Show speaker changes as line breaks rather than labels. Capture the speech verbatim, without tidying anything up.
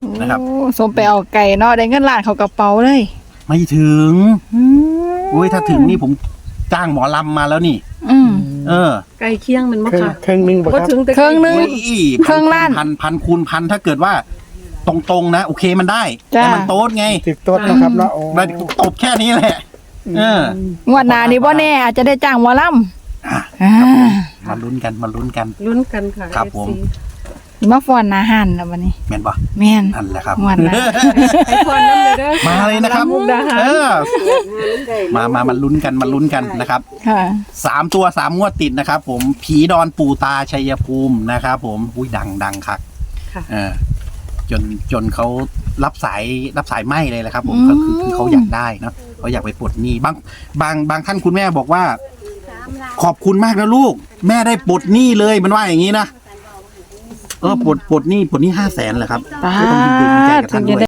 นะครับ
โอ้สมไปเอาไก่เนาะได้เงินล้านเขากระเป๋าเลย
ไม่ถึง
อืม
โอ้ยถ้าถึงนี่ผมจ้างหมอลำมาแล้วนี่
อืม
เออ
ไก่เคียงมันบ่
เครื่อง
ค่ะ
เครื่องหนึงบ่
บ่
ครับ
ถึงแต่
เครื่องหนึ่ง
โอ้ย
เครื่องล้าน
พันพันคูณพันถ้าเกิดว่า ตรงๆนะ โอเคมันได้
จ้า
แต่มันโต๊ดไง
ติดต้นนะครับเนาะโอ้
มันตบแค่นี้แหละ เออ
งวดหน้านี่บ่แน่อาจจะได้จ้างหมอล
อ่ะ
ำอ่า
มาลุ้นกันมาลุ้นกัน
ลุ้นกันค่ะ
ครับ
เอฟ
ผม
ซี
สิมาฟ้อนหน้าหันแล้วบัดนี้
แม่นปะ
แม่น
นั่นแหละครับ
งวดหน้า
ให้พรน้ำเลยเด้อ
มาเลยนะครับ
มุกดาหาร
เออ มามามาลุ้นกันมาลุ้นกันนะครับ
ค่ะ
สามตัวสามงวดติดนะครับ ผมผีดอนปู่ตาชัยภูมินะครับ ผมอุ้ยดังดังคัก
ค่ะ
เออจนจนเขารับสายรับสายไหมเลยแหละครับ ผม
อืม
ก็คือคือเขาอยากได้เนาะเขาอยากไปปลดหนี้บางบางบางท่านคุณแม่บอกว่า ขอบคุณมากนะลูก แม่ได้ปลดหนี้เลยมันว่าอย่างนี้นะเออปลดปลดหนี้ปลดหนี้ห้าแสนเหรอครับ
ตา
ก็ต้องยินดีใจกับ
ถึ
ท่าน
ง
ด้
จะ
วย
ได้